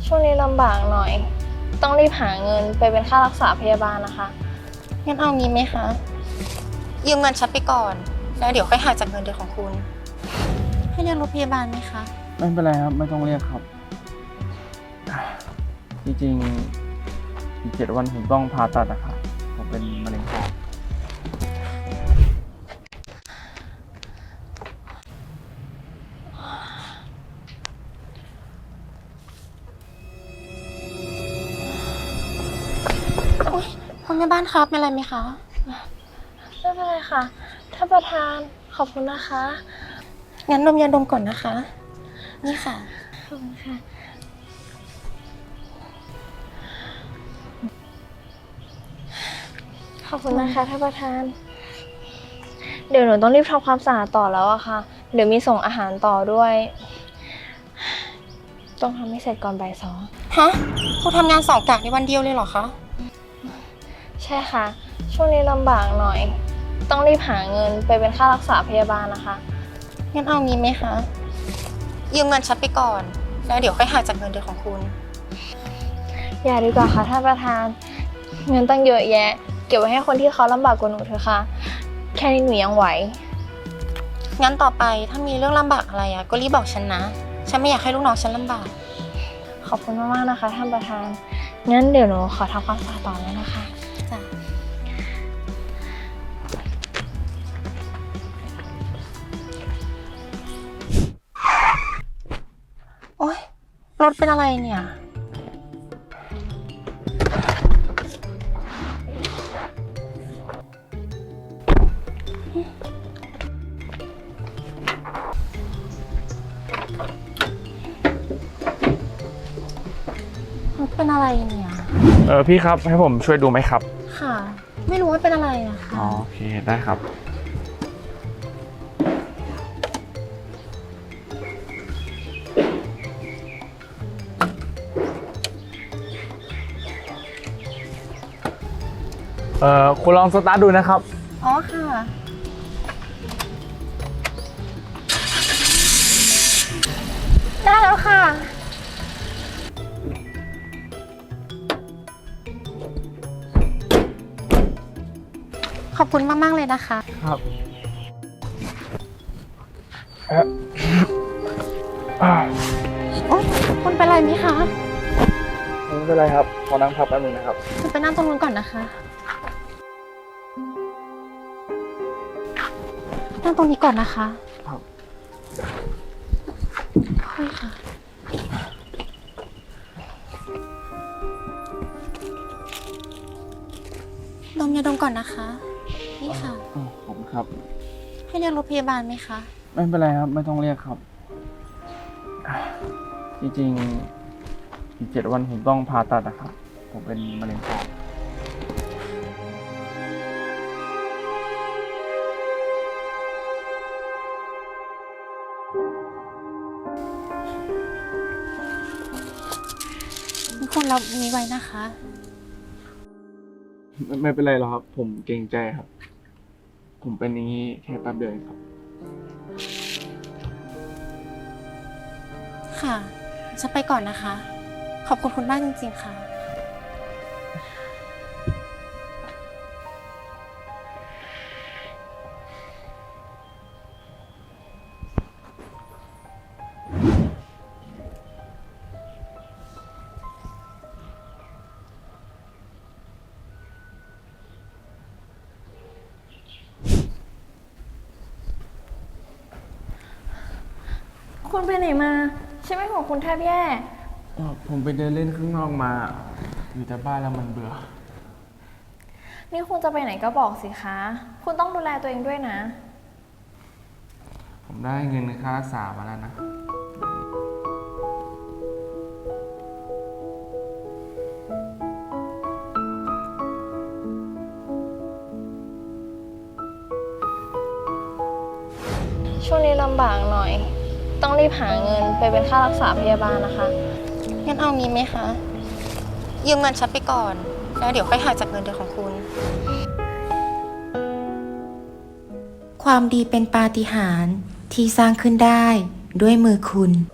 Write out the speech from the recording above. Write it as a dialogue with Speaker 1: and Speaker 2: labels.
Speaker 1: ช่วงนี้ลำบากหน่อย ต้องรีบหาเงินไปเป็นค่ารักษาพยาบาลนะคะ
Speaker 2: งั้นเอางี้ไหมคะ ยืมเงินฉันไปก่อน แล้วเดี๋ยวค่อยหักจากเงินเดือนของคุณ ให้เรียกรถพยาบาลไหมคะ
Speaker 3: ไม่เป็นไรครับ ไม่ต้องเรียกครับ จริงๆอีก7 วันผมต้องผ่าตัดนะครับผมเป็นมะเร็งปอด
Speaker 2: คุณแม่บ้านครับเป็นอะไรไหมคะ
Speaker 1: ไม่เป็นไรค่ะท่านประธานขอบคุณนะคะ
Speaker 2: งั้นดมยาดมก่อนนะคะ นี่ค่ะ
Speaker 1: ขอบคุณค่ะ ขอบคุณนะคะท่านประธาน เดี๋ยวหนูต้องรีบทำความสะอาดต่อแล้วอะค่ะ เดี๋ยวมีส่งอาหารต่อด้วย ต้องทำให้เสร็จก่อนบ่าย 2
Speaker 2: ฮะคุณทำงาน2 กะในวันเดียวเลยเหรอคะ
Speaker 1: ใช่ค่ะ ช่วงนี้ลำบากหน่อย ต้องรีบหาเงินไปเป็นค่ารักษาพยาบาลนะคะ
Speaker 2: งั้นเอางี้ไหมคะ ยืมเงินฉันไปก่อน แล้วเดี๋ยวค่อยหักจากเงินเดือนของคุณ
Speaker 1: อย่าดีกว่าค่ะท่านประธาน เงินตั้งเยอะแยะ เก็บไว้ให้คนที่เขาลำบากกว่าหนูเถอะค่ะ แค่นี้หนูยังไหว
Speaker 2: งั้นต่อไปถ้ามีเรื่องลำบากอะไรก็รีบบอกฉันนะ ฉันไม่อยากให้ลูกน้องฉันลำบาก
Speaker 1: ขอบคุณมากๆนะคะท่านประธาน งั้นเดี๋ยวหนูขอทำความสะอาดต่อแล้วนะคะ
Speaker 2: จ้ะ โอ๊ย รถเป็นอะไรเนี่ย รถเป็นอะไรเนี่ย
Speaker 3: พี่ครับให้ผมช่วยดูไหมครับ
Speaker 2: ค่ะ ไม่รู้ว่าเป็นอะไรอะค่ะ
Speaker 3: อ๋อโอเคได้ครับ คุณลองสตาร์ทดูนะครับ
Speaker 2: อ๋อค่ะ ได้แล้วค่ะ ขอบคุณมาก ๆ เลยนะคะ
Speaker 3: ครับ
Speaker 2: โอ๊ยคุณเป็นไรไหมคะ
Speaker 3: ไม่เป็นไรครับขอนั่งพักแป๊บนึงนะครับ
Speaker 2: คุณไปนั่งตรงนู้นก่อนนะคะ นั่งตรงนี้ก่อนนะคะ
Speaker 3: ครับ
Speaker 2: ค่อยค่ะ ดมยาดมก่อนนะคะ นี่ค่ะ
Speaker 3: ขอบคุณครับ
Speaker 2: ให้เรียกรถพยาบาลไหมคะ
Speaker 3: ไม่เป็นไรครับ ไม่ต้องเรียกครับ จริงๆอีก7 วันผมต้องผ่าตัดนะครับผมเป็นมะเร็งปอด
Speaker 2: คุณรับนี้ไว้นะคะ
Speaker 3: ไม่เป็นไรหรอกครับ ผมเกรงใจครับ ผมเป็นอย่างนี้แค่แป๊บเดียวเองครับ
Speaker 2: ค่ะจะไปก่อนนะคะ ขอบคุณคุณมากจริงๆค่ะ
Speaker 1: คุณไปไหนมาใช่ไหมของคุณแทบแย่
Speaker 3: ผมไปเดินเล่นข้างนอกมา อยู่แต่บ้านแล้วมันเบื่อ
Speaker 1: นี่คุณจะไปไหนก็บอกสิคะ คุณต้องดูแลตัวเองด้วยนะ
Speaker 3: ผมได้เงินค่ารักษามาแล้วนะ
Speaker 1: ช่วงนี้ลำบากหน่อย ต้องรีบหาเงินไปเป็นค่ารักษาพยาบาลนะคะ
Speaker 2: งั้นเอางี้ไหมคะ ยืมเงินฉันไปก่อน แล้วเดี๋ยวค่อยหักจากเงินเดือนของคุณ ความดีเป็นปาฏิหาริย์ที่สร้างขึ้นได้ด้วยมือคุณ